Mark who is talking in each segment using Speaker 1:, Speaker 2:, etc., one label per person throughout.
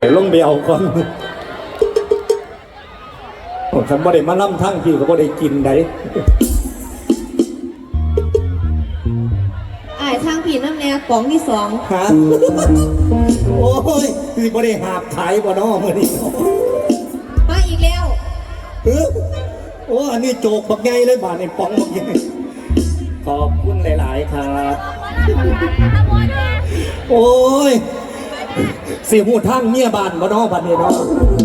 Speaker 1: ลงไปเอาก่อนฉันบ่ได้มาล่ำทั้งพี่ก็บ่ได้กินได้
Speaker 2: ทางผีน้ำแน่ป๋องที่2ฮะ
Speaker 1: โอ้ยคือบ่ได้หาบขายบ่น้อมื้อนี้
Speaker 2: มาอีกแล้ว
Speaker 1: โอ้อันนี้โจกบักใหญ่เลยบาดนี่ป๋องบักใหญ่ขอบคุณหลายๆครับโอ้ยสิหูทางเมียบ้านบ่น้อบัดนี้เนาะ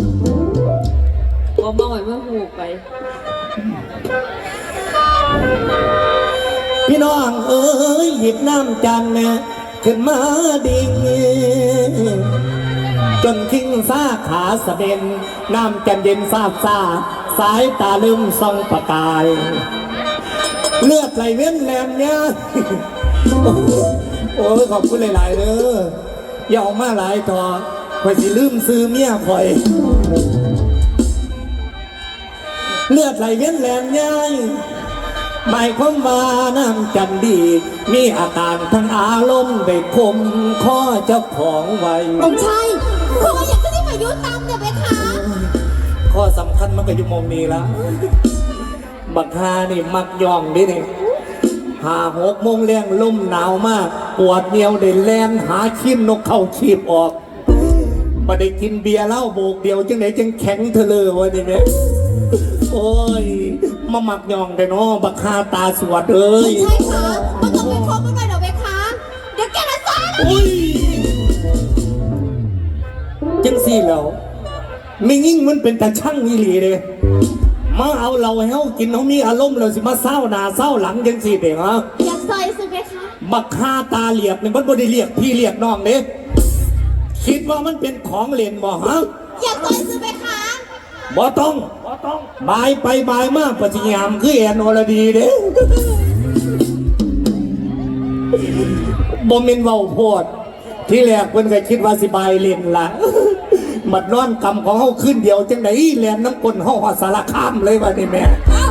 Speaker 2: บ่มาไว้มาหูไป
Speaker 1: พี่น้องเอ้ยหยิบน้ำจันนะขึ้นมาดิ่งจนทิ้งซาขาสะเด็นน้ำจันเย็นซาบซาสายตาลืมส่องประกายเลือดไหลเว้นแหลมเนี่ยโอ้ยขอบคุณหลายๆเด้ออย่าออกมาหลายต่อคอยสิลืมซื้อเมียคอยเลือดไหลเว้นแหลมเนี่ยหมายความว่าน้ำจันดีมีอาการทั้งอารมณ์ได้คมข้อเจ้าของไว้
Speaker 2: องชายขออยากจะได้มายุตามเดี๋ยวไปคะ
Speaker 1: ข้อสำคัญมันก็อยู่มองนี้ละบักฮานี่มักย่องดิเนี่ย5-6 โมงแรงลมหนาวมากปวดเหนียวได้แลนหาขี้นกเข้าชีบออกมาได้กินเบียร์เหล้าโบกเดียวจังไหนจังแข็งเธอเลยวะนี่แม่โอ้ยมาหมักย่องแต่น้อบักฮาตาสวดเอ้ย
Speaker 2: ใช่ค่ะมันต้องไปคบกันหน่อยเดี๋ยวไปคะเดี๋ยวแกจะซ่า
Speaker 1: จังสี่แล้วไม่ยิ่งมันเป็นตาช่างนี่หลีเลยมาเอาเราให้เขากินเขามีอารมณ์เราสิมาเศร้าหน้าเศร้าหลังจังสี่เด็กฮะ
Speaker 2: อยากใส่สิไหมคะ
Speaker 1: บักฮาตาเหลียกเนี่ยมันบ่ได้เรียกพี่เรียกน้องเด้คิดว่ามันเป็นของเล่นบ่ฮะ
Speaker 2: อยากใส่สิไหมคะ
Speaker 1: บ่ต้องบายไปบายมากปฏิญามคือแอนอรดีเด้บ่มินเว้าโพดที่แรกเพิ่นก็คิดว่าสิบายเล่นล่ะมัดนอนกำของเฮาขึ้นเดียวจังได๋แล่นน้ำก้นเฮาฮอดสารคามเลยว่านี่แม่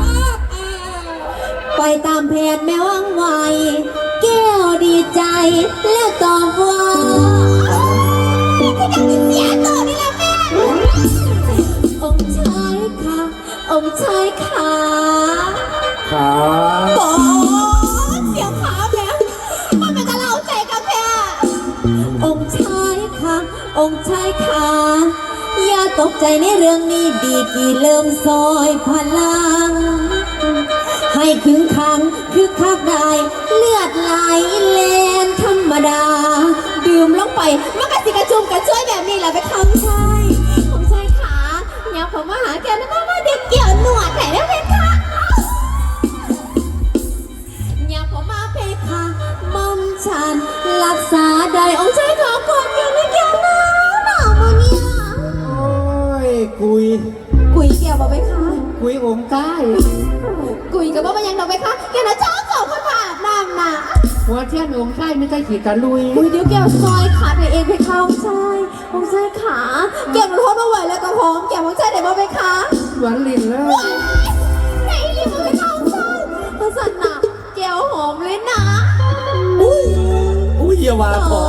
Speaker 2: ไปตามแผนแม่วังไวแก้วดีใจแล้วตอบว่าเสียตัวนี่แหละแม่องค์ชายค่ะองค์ชายค่ะ
Speaker 1: ขา
Speaker 2: โอ้เสียงขาแม่มันเป็นกระเล่าใจกับแม่องค์ชายค่ะองค์ชายค่ะอย่าตกใจในเรื่องนี้ดีกี่เริ่มซอยพลังให้คึงขังคือคักได้เลือดไหลเลนธรรมดาดื่มลงไปมันกระสิกระจุมกระช่วยแบบนี้แหละไปคำชายผมชายขาอย่าผมมาหาแกนะมาเด็กเกี่ยวหนวดไหนได้เพคะอย่าผมมาเพคะมอมฉันรักษาได้องค์ชายขอก่อนเกี่ยวไม่เกี่ยวนะหนาวมาเนี่ย
Speaker 1: โอ้ยกุย
Speaker 2: เกี่ยวบ่ไปคะ
Speaker 1: กุยองค์ใต้
Speaker 2: กุยกับว่ามันยังดอกไปคะแกน่ะชอบสองคนผ่าน้ำน่ะ
Speaker 1: หัวเทียนองค์ใต้ไม่ใช่ขีดตะลุย
Speaker 2: เดี๋ยวแกซอยขาไปเองไปเข้าองค์ชายขาแกมันโทษมาไหวแล้วก็หอมแกองค์ชายไหนบ่ไปคะ
Speaker 1: หวานลิ้นแล้ว
Speaker 2: ไหนลิ้นบ่ไปเข้าองค์ชายภาษาหนักแกหอมเลยนะ
Speaker 1: อุ้ยอย่าว่าขอ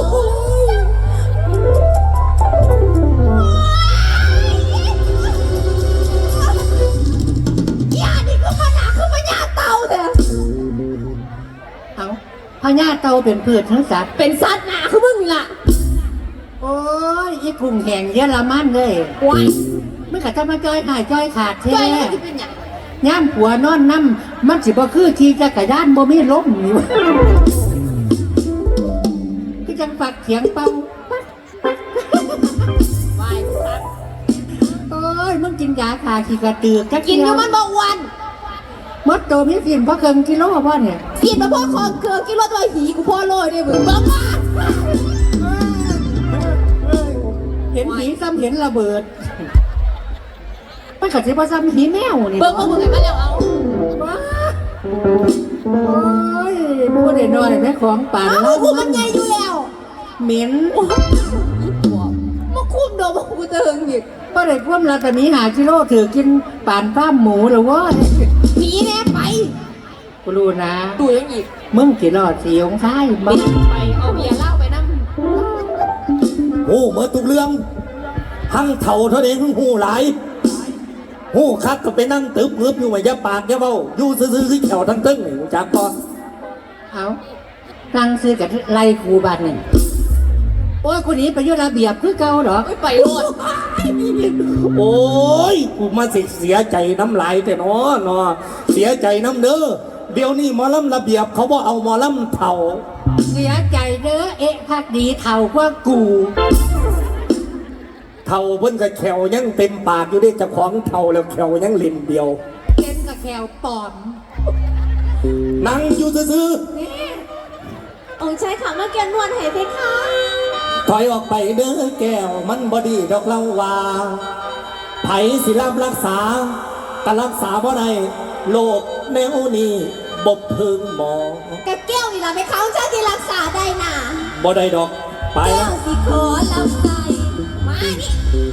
Speaker 3: พญาเต่าเป็นพืชทั้งสัตว์
Speaker 2: เป็นสัตว์หนาคือมึงล่ะ
Speaker 3: โอ้ยอีกุ้งแห้งเยอรมันเลย
Speaker 2: ว้าย
Speaker 3: มันก็จะมาจ้อยหายจ้อยขาดแท้ย่ำหัวนอนน้ำมันสิบ่คือที่จะกระด้านบ่มีล้มนี่วะก็จังฝักเถียงเป่า
Speaker 2: ว้ายสัตว์
Speaker 3: โอ้ยมึงกินยาขาขี้กระตือก
Speaker 2: กินอยู่มันบอกวัน
Speaker 3: มดโตมีกินเพราะเกินกิโลพ่อเนี่ย
Speaker 2: กินมาพ่อคอเกลือกินรถตัวหีกูพ่อโรยเนี่ยมึงบ้า
Speaker 3: เห็นหีซ้ำเห็นระเบิดมันกัดสิว่าซ้ำหีแมวนี่
Speaker 2: เบิ้งมามึงไงมาแล้วเอา
Speaker 3: โอ้ยพูดได้น้อยแม่ของป่าน
Speaker 2: แล้วกูมันใหญ่อยู่แล้ว
Speaker 3: เหม็น
Speaker 2: มาคุ้มโดมากูจะหึงอีก
Speaker 3: ก็ได้ควมละแต่นี้5 กิโลถือกินป่านฟ้าหมูหรือว่า
Speaker 2: ผีแน่ไป
Speaker 3: กูรู้นะ
Speaker 2: ดูยังอีก
Speaker 3: มึงกี่รอดสีองค์ชาย
Speaker 2: มึงไปเอาเบียร์เหล้าไปนั่ง
Speaker 1: โอ้เมื่อตุกเรื่องทั้งเท่าเท่าเองทั้งหูหลายหูคักก็ไปนั่งตึบเงือบอยู่ว่าอย่าปากอย่าเบ้าอยู่ซื่อๆคือแถวทั้งตึ้งนี่รู้จักก่อน
Speaker 3: เอาตั้งซื้อกับไล่ครูบาทหนึ่งโอ้ยคนนี้ไปอยุระเบียบคือเก่าเหรอ
Speaker 2: ไปโลด
Speaker 1: โอ้ยกูมาเสียใจน้ำลายแต่เนาะเสียใจน้ำเด้อเดี๋ยวนี้หมอลำระเบียบเขาบอกเอาหมอลำเท่า
Speaker 3: เสียใจเด้อเอ๊ะพักดีเท่ากว่ากู
Speaker 1: เท่าเพิ่นกับแขวยังเต็มปากอยู่ได้เจ้าของเท่าแล้วแขวยังเล่นเดียว
Speaker 3: เล่นกับแขวปอม
Speaker 1: นั่งอยู่ซื่อ
Speaker 2: องค์ชายขามาแกนนวลให้เพคะ
Speaker 1: ๆถอยออกไปเด้อแก้วมันบอดีดอกเล่าว่าไผสิรับรักษาก็รักษาบ่ได้โลกแนวนี้บบพึงหมอ
Speaker 2: กับแก้วนี่ล่ะเพคะองค์ชายที่รักษาได้น่ะ
Speaker 1: บ่ได้ดอกไป
Speaker 2: แก้
Speaker 1: แล้ว
Speaker 2: วสิขอลำใจมานี่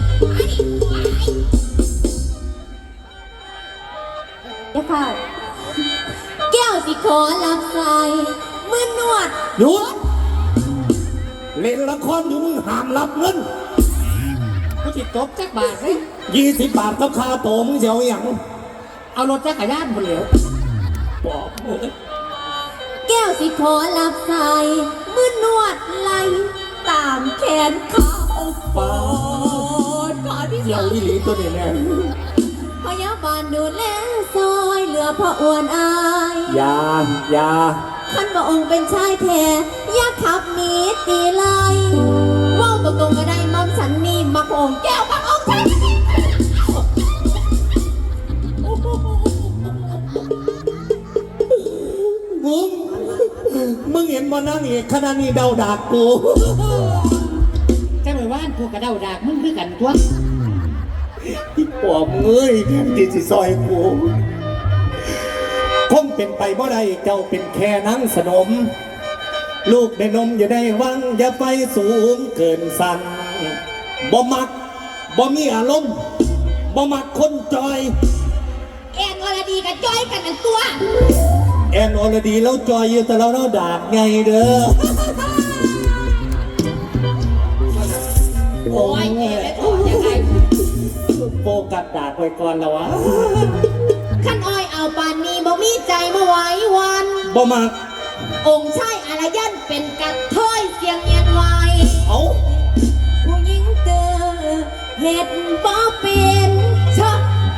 Speaker 2: เดี๋ยวค่ะแก้วสิขอลำใจมือนวด
Speaker 1: หยุดเล่นละครอยู่มึงห้ามรับเงิน
Speaker 3: กูจิตตบจักบาทเลย
Speaker 1: 20 บาทกับค่าโตวมึงเสียวอย่าง
Speaker 3: เอารถจักรยานบนเหลว
Speaker 1: บอกเอ้ย
Speaker 2: แก้วสิขอลำใจมือนวดไหลตามแขนเขาปอดขอที่
Speaker 1: เสีย
Speaker 2: สาว
Speaker 1: อีหลีตัวนี้แน่
Speaker 2: พยาบาลดูแลซอยเหลือพ่ออ้วนอาย
Speaker 1: อย่า
Speaker 2: ท่านพระองค์เป็นชายแท้อย่าขับหนีตีไล่ว่าวตรงๆก็ได้มอมฉันนี่มาพระองค์แก้วพระองค์ฉัน
Speaker 1: มึงเห็นมานั่งอีกขนาดนี้เดาดากกู
Speaker 3: จะไปว่านกูกระเดาดากมึงคือกันตัว
Speaker 1: ที่ปอบเงยที่สิซอยกูคงเป็นไปบ่ได้เจ้าเป็นแค่นังสนม ลูกในนมอย่าได้หวังอย่าไปสูงเกินสั่งบ่มักบ่มีอารมณ์บ่มักคนจอย
Speaker 2: แอนวรดีกับจ้อยกันทั้งตัว
Speaker 1: แอนอรดีแล้วจอยอยู่แต่เราดากไงเด้อ
Speaker 2: โอ้ยแอนไม่ถอดยังไง
Speaker 1: โฟกัสดากไว้ก่อนแล้ววะ
Speaker 2: ขั้นอ้อยเอาปานนี้บ่มีใจมาไว้วัน
Speaker 1: บ่มัก
Speaker 2: องค์ชายอารยันเป็นกระเทยเสียงเงียนไว
Speaker 1: เอา
Speaker 2: ผู้หญิงเตอเห็ดบ่เป็นชอบ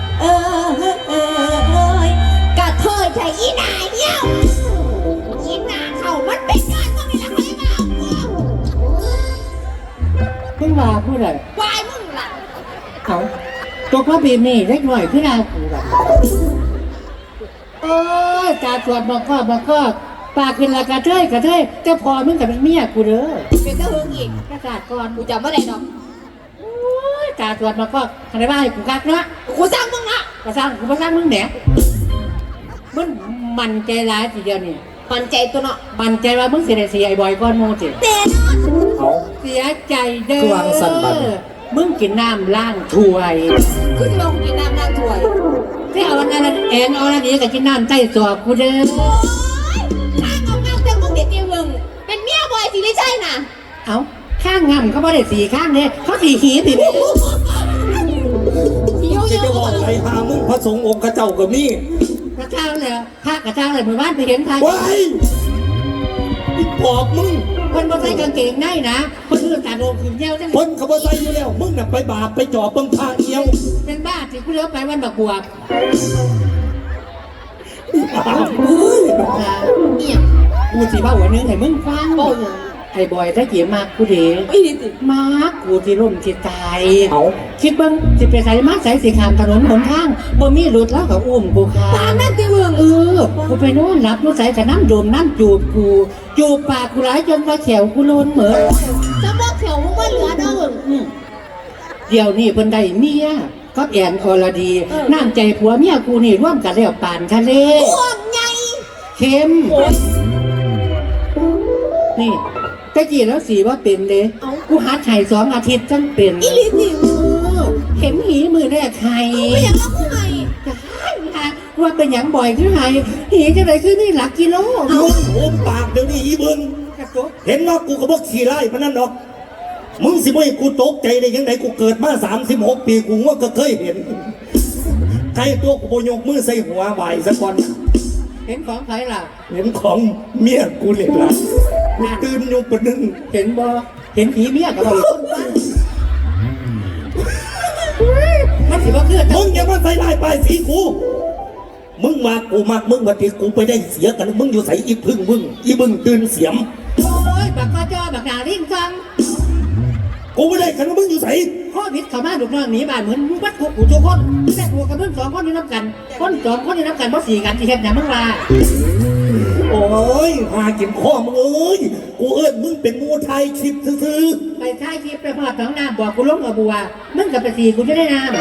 Speaker 2: กระเทยใช่อีหนาเหี้ยวอีหนาเขามันเป็นการต้องมีหลักอะไรเปล่า
Speaker 3: มึงว่าพูดอะไร
Speaker 2: วายมึงล่ะ
Speaker 3: เอาตัวพ่อบีนี่เล็กหน่อยขึ้นเอากูแบบโอ้ยตาตรวจบอกก็ปากเป็นละกระเทยเจ้าพอมึงกับเป็นเมียกูเด้อ
Speaker 2: เป็นเจ้าหึงอีก
Speaker 3: ประกาศก่อน
Speaker 2: กูจำไม่ได้ดอก
Speaker 3: โอ้ยตาตรวจบอกอะไรบ้างให้กูกักเนาะ
Speaker 2: กูสร้างมึงอ่ะ
Speaker 3: กูสร้างมึงเนี่ยมันใจร้ายทีเดียวนี่
Speaker 2: มันใจตัวเนาะ
Speaker 3: มันใจว่ามึงเสียเสียไอ้บอยก้อนโมจิ
Speaker 2: เต้นอน
Speaker 1: เอา
Speaker 3: เสียใจเด้อ
Speaker 1: คือวางสั่นบัด
Speaker 3: มึงกินน้ำล้างถ้วย
Speaker 2: คือจะลงกินน้ำนางถวย
Speaker 3: ที่เอาอันนั้นแอนเอาอันนี้กับกินน้ำใต้สอบกูเด้อ
Speaker 2: โอ้ยข้างเอาเงาเต็มมึงเด็ดเดียวมึงเป็นเมียบอยสิไม่ใช่น่ะ
Speaker 3: เอาข้างงำเขาไม่ได้สีข้างเนี่ยเขาสีหีสิเนี่ย
Speaker 2: หิว
Speaker 1: จะ
Speaker 2: เย
Speaker 1: จะบอก
Speaker 2: อะ
Speaker 1: ใครหามึงพระสงฆ์องค์กระเจ้ากับนี่
Speaker 3: กระเจ้าเลยพระกระเจ้าเลยหมู่บ้านไปเห็นใคร
Speaker 1: ว้ายอีปอบมึง
Speaker 3: คนบ่ใส่กางเกงในนะคนอื่นตาโดนขึ้นเย้าจัง
Speaker 1: คนเขาบ่ใส่อยู่แล้ว มึงน่ะไปบาปไปจ่อเบิ่งพาเอียว
Speaker 3: เป็นบ้าสิกูเลี้ยวไปวันบักบวบ
Speaker 2: เนี่ย
Speaker 3: กูสิบ้าหัวนึงให้มึงฟัง
Speaker 2: โอ้ย
Speaker 3: ไอ้บอยถ้าเกี่ยมากกูเด้
Speaker 2: ไม่ดีสิ
Speaker 3: มากกูที่ร่มที่ตาย
Speaker 1: เอา
Speaker 3: คิดเบิ่งสิไปใส่มาใส่สีขามถนนหนทางบ่มีรถแล้วก็อุ้มกูค่ะ
Speaker 2: ตามนั่นสิมึง
Speaker 3: กูไปโน่นรับรถใส่แต่น้ำดมน้ำจูบกูจูบปากกูหลายจนว่าแขวกูโลนเหมือน
Speaker 2: จะบอกเถียวมึงว่าเหลือเด้อมึง
Speaker 3: เดี๋ยวนี้เพิ่นได้เมียก็แอนอรดีน้ำใจผัวเมียกูนี่ร่วมกันแล้วปานทะเล
Speaker 2: ห่วงใย
Speaker 3: เข้มนี่ตะกี้แล้วสีว่าเป็นเลยกูหัดไห่2 อาทิตย์จังเป็น
Speaker 2: อีลิสิ
Speaker 3: เข็มหีมือแรกไห่
Speaker 2: ไม่อยากรับผู้ใหม่
Speaker 3: ว่าเป็นหยังบ่อยขึ้นไห่หีจะไหนขึ้นนี่หลักกิโล
Speaker 1: มึงโอมปากเดี๋ยวนี้อีเบิ่ง
Speaker 3: กระตุก
Speaker 1: เห็นว่ากูก็บ่ขี้ไล่พนันดอกมึงสิบ่ให้กูตกใจได้ยังไงกูเกิดมา36 ปีกูว่าก็เคยเห็นใครตัวกูบ่ยกมือใส่หัวไหวสักก่อน
Speaker 3: เห็นของใครล่ะ
Speaker 1: เห็นของเมียกูเลยล่ะกูตื่นอยู่ปะนึง
Speaker 3: เห็นบ่เห็นผีเมียกับเราต้นบ้านมันสิว่าคือ
Speaker 1: มึงอย่ามาใส่ลายป้ายสีกูมึงมากูมากมึงมาตีกูไปได้เสียกันมึงอยู่ใส่อีพึ่งมึงอีบึงตื่นเสียม
Speaker 3: โอ้ยบักกอจอบักนาริ่งฟัง
Speaker 1: กูไม่ได้กันมึงอยู่ใส่
Speaker 3: ข้อผิดเขามาลูกน้องหนีบ้านเหมือนมึงวัดกูทุกคนแต่กูกับมึง2 คนอยู่น้ำกันคน2 คนอยู่น้ำกันเพราะ4 กันที่เห็นอย่างมึงว่า
Speaker 1: โอ้ยหากินข้อมึงเอ้ยกูเอิ้นมึงเป็นงูไทยคลิปซื่อ
Speaker 3: ไปท้ายคลิปไปพอดท้องน้ำบอกกูลงกับบัวมึงกับไป4 กูจะได้น้ำ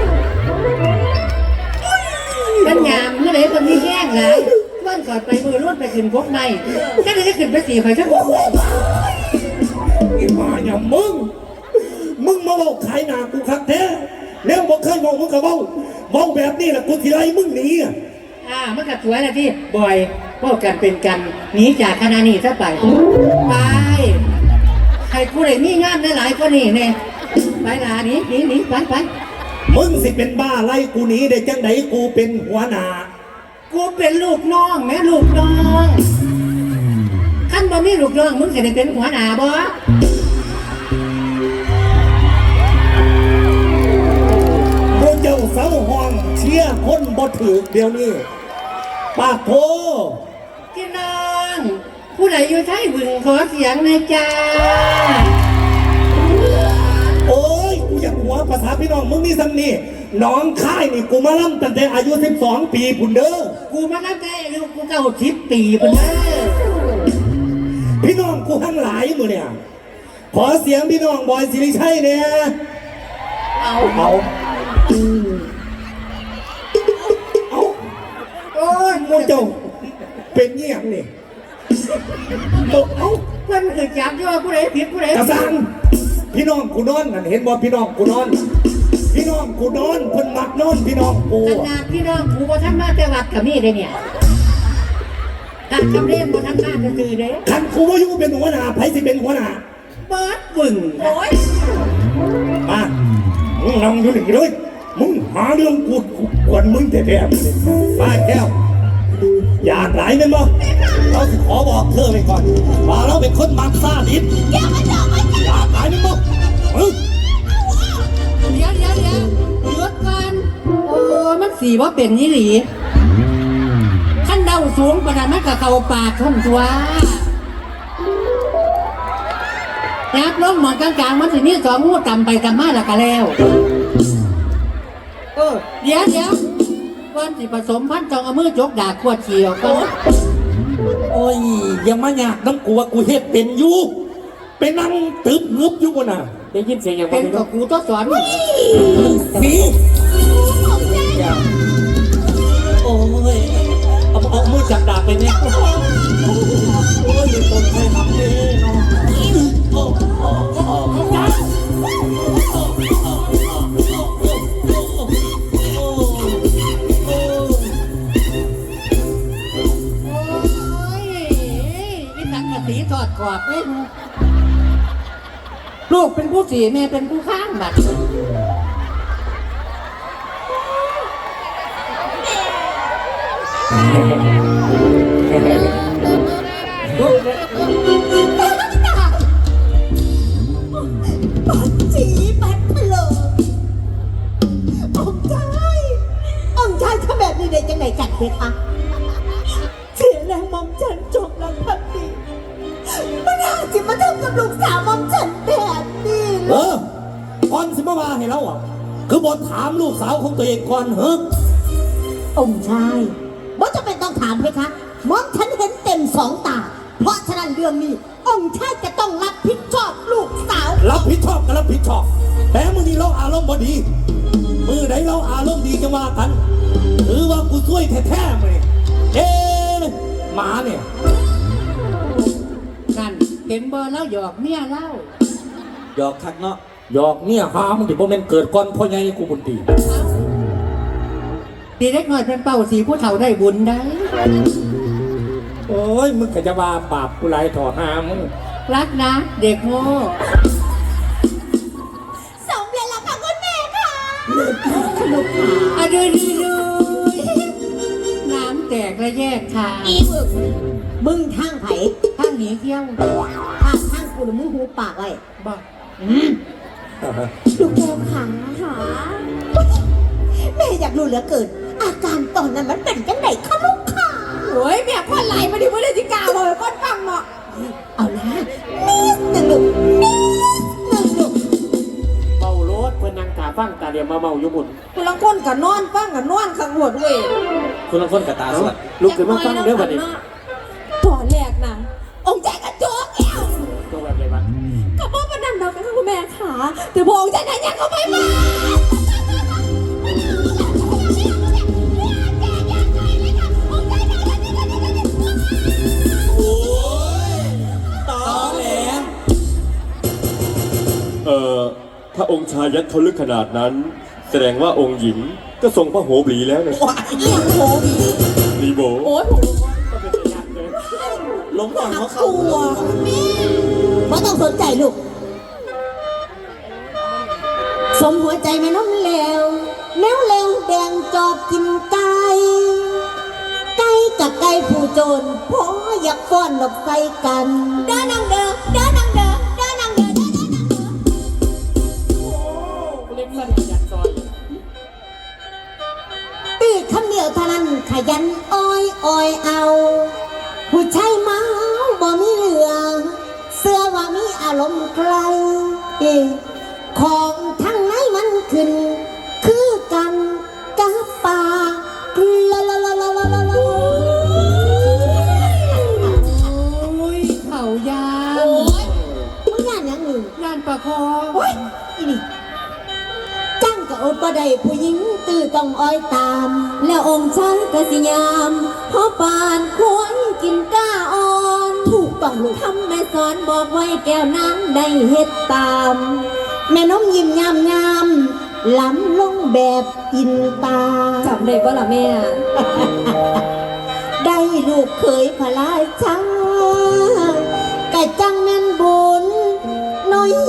Speaker 3: ปัญญามเมื่อไหร่คนที่แย่งไรวันก่อนไปมือรุ่นไปขึ้นพบในแค่ได้ขึ้นไป4 ไปทั้งหมด
Speaker 1: ๆไอ้มาอย่างมึงมาเว้าขายหนากูคักแท้แล้วบอกเคยบอกมึงกับเว้าแบบนี้แหละกูทีไรมึงหนีอ่ะ
Speaker 3: มันก็สวยนะที่บ่อยพวกกันเป็นกันหนีจากคณะนี้ซะไปไปใครกูเลยมีงานได้หลายกว่านี่เนี่ยไปลาหนีไป
Speaker 1: มึงสิเป็นบ้าไล่กูหนีได้จังไดกูเป็นหัวหน้า
Speaker 3: กูเป็นลูกน้องแม่ลูกน้องขั้นบ่มีลูกน้องมึงจะได้เป็นหัวหน้าบ่
Speaker 1: กูเจ้าเสาห้องเชียร์คนบ่ถือเดี๋ยวนี้ปากโท
Speaker 3: พี่น้องผู้ใดอยู่ไทยบึงขอเสียงในอยจ้า
Speaker 1: โอ้ยกูอยากหัวภาษาพี่น้องมึงนี่ซ้ำนี่น้องค่ายนี่กูมาล่ำตั้งแต่อายุ12 ปีพุ่นเด้อ
Speaker 3: กูมาตั้งแต่อายุกู90 ปีพุ่นเด้อ
Speaker 1: พี่น้องกูทั้งหลายมือเนี่ยขอเสียงพี่น้องบอยสิริชัยเนี่ยเอาเอา
Speaker 3: โอ้ย
Speaker 1: พวกเจ้าเป็นเงียบนี่ตกเอา
Speaker 3: เพื่อนคือจับที่ว่าผู้ใดผิดผู้ใด
Speaker 1: กระซังพี่น้องกูนอนนั่นเห็นบ่พี่น้องกูนอน พี่น้องกูนอนเพิ่นมักนอนพี่น้องกู
Speaker 3: ขนาดพี่น้องกูบ่ทันมาแต่วัดกับมีได้เนี่ยการจำเรียนบ่ทันมาจะคือเด้
Speaker 1: คันกูว่าอยู่เป็นหัวหน้าไผสิเป็นหัวหน้า
Speaker 3: เปิดบึ่งโอ้ย
Speaker 1: มามึงนั่งอยู่นี่เลยมึงหาเรื่องกูกวนมึงแท้ๆมาแก้วอยากหลายแม่นบ่เราสิขอบอกเธอไปก่อนว่าเราเป็นคนมักซ่าดิบอยากหลายแม่นบ่มึง
Speaker 3: เดี๋ยวหยุดก่อนโอ้มันสีว่าเป็นนี่หลีขั้นเดาสูงประดานมันกับเขาปากท่อนตัวยับล้มหมอนกลางๆมันสินี่2 งูต่ำไปต่ำมาแล้วก็แล้วเดี๋ยวก่อนสิผสมพันธุ์ต้องเอามือจกดากขวดเฉียวก่อน
Speaker 1: โอ้ยอย่ามาอยากน้ำกูว่ากูเฮ็ดเป็นอยู่เป็นนั่งตึบงึบอยู่บนน่ะ
Speaker 3: ได้ยินเสียงอย่างเป็นกับกูต้องสอน
Speaker 1: สีโอ้ยเอามือจับดาบไปเนี่ยโอ้ยอย่าตนใครทำเลยเนาะโอ้
Speaker 3: นี่ตักกะสีทอดกรอบเลยลูกเป็นผู้สีแม่เป็นผู้ข้างบัด
Speaker 2: จีปัดเพลิงองค์ชายทำแบบนี้ได้ยังไงกันเพคะเสียแรงมอมฉันจบแล้วพันดีมันน่าจะมาทำกับลูกสาวมอมฉันแบบนี้เลย
Speaker 1: ก่อนสิมาว่าให้เราอ่ะคือบทถามลูกสาวของตัวเองก่อนเฮ้ย
Speaker 2: องค์ชายว่าจะเป็นต้องถามเพคะมอมฉันเห็นเต็ม2 ตา เพราะฉะนั้นเรื่องนี้ องค์ชายจะต้องรับผิดชอบลูกสาว
Speaker 1: รับผิดชอบก็รับผิดชอบแต่มือนี้เราอารมณ์บ่ดีมือไหนเราอารมณ์ดีจะว่ากันหรือว่ากูช่วยแท้ๆเลยหมาเนี่ย
Speaker 3: กันเห็นเบอร์แล้วหยอกเมียเล่า
Speaker 1: หยอกคักเนาะหยอกเนี่ยหามึงดิบ่แม่นเกิดก่อนพ่อใหญ่กูบุญดี
Speaker 3: ทีเล็กน้อยเป็นเป่าสีผู้เฒ่าได้บุญได้
Speaker 1: โอ้ยมึงก็จะว่าบาปกูหลายถอหามึง
Speaker 3: รักนะ เด็กโง่
Speaker 2: ลูกขา
Speaker 3: อะดูน้ำแตกและแยกทาง
Speaker 2: อีมึงทางไผ่
Speaker 3: ข้างหนีเที่ยว
Speaker 2: ทางกูหรือมึงหูปากไว้
Speaker 3: บอก
Speaker 2: ลูกแก้วขาแม่อยากรู้เหลือเกิน อาการตอนนั้นมันเป็นจังไงคะลูกขาโอ้ยแม่พ่อไหลมาดิว่าได้จิกาเลยก้อนฟังเนาะเอาละนิดหนึ่งลูกนิดหนึ่งลูก
Speaker 4: เมารถเพื่อนนางตาฟังตาเดียวมาเมาอยู่บุญ
Speaker 2: คุณลังคนกับนอนฟังกับนอนขังหวดเว้ย
Speaker 1: คุณลองคนกับตาสวด
Speaker 4: ลุกขึ้นมาฟังเด้อบัดนี้
Speaker 2: ตอนแรกนะองค์ใจกระโจกแก้ว
Speaker 4: ตัวแบบไรวะ
Speaker 2: กับพ่อประนันดอกกันค่ะคุณแม่ขาแต่พอองค์ใจนั้นยังเขาไม่มา
Speaker 1: ตอแหล
Speaker 5: ถ้าองค์ชายยัดเขาลึกขนาดนั้น แสดงว่าองค์หญิงก็ทรงพระโหบลีแล้วนะ
Speaker 2: เอียงโผล่บี
Speaker 5: ลีโบ
Speaker 2: โอ้ยผม
Speaker 4: ก็เป็นตัวอย่างเลย
Speaker 1: ล้มก่อนเขาเข้า
Speaker 2: ตัวไม่ต้องสนใจลูก สมหัวใจแม่น้องแล้วแล้วแบ่งจอบกินไก่ไก่กับไก่ผู้โจรพออยากฟ้อนดอกไฟกันเดินนางเด้อเดินนางเด้อเดินนางเด้อเดินนางเด้อ
Speaker 4: เล่นสั้นยัดซอย
Speaker 2: ตีคำเดียวเท่านั้นขยันอ้อยเอา ผู้ชายเมาบ่มีเหลืองเสื้อว่ามีอารมณ์ใครของทั้งไหนมันขึ้น คือกันกับป่าละละละละละละละ
Speaker 3: โอ้ยเข่ายา
Speaker 2: โอ้ยมึงย่านยังหนึ่ง
Speaker 3: ยานประคอง
Speaker 2: โอ้ยอีนี่จังกับอดบ่ได้ผู้หญิงตื่อต้องอ้อยตาม แล้วองค์ชายกสิยามเพราะปานควรกินก้าอ่อนถูกต้องลูกทำแม่สอนบอกไว้แก้วน้ำได้เฮ็ดตาม แม่น้องยิ้มยามล้ำลงแบบอินตาจำได้ป่ะล่ะแม่ ได้ลูกเคยพลายช้ากะจังแม่นบุญน้อย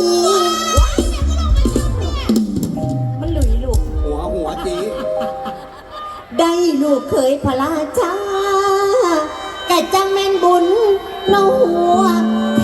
Speaker 2: มันหลุยลูก
Speaker 1: หัวจี
Speaker 2: ได้ลูกเคยพลาช้ากะจังแม่นบุญน้องหัว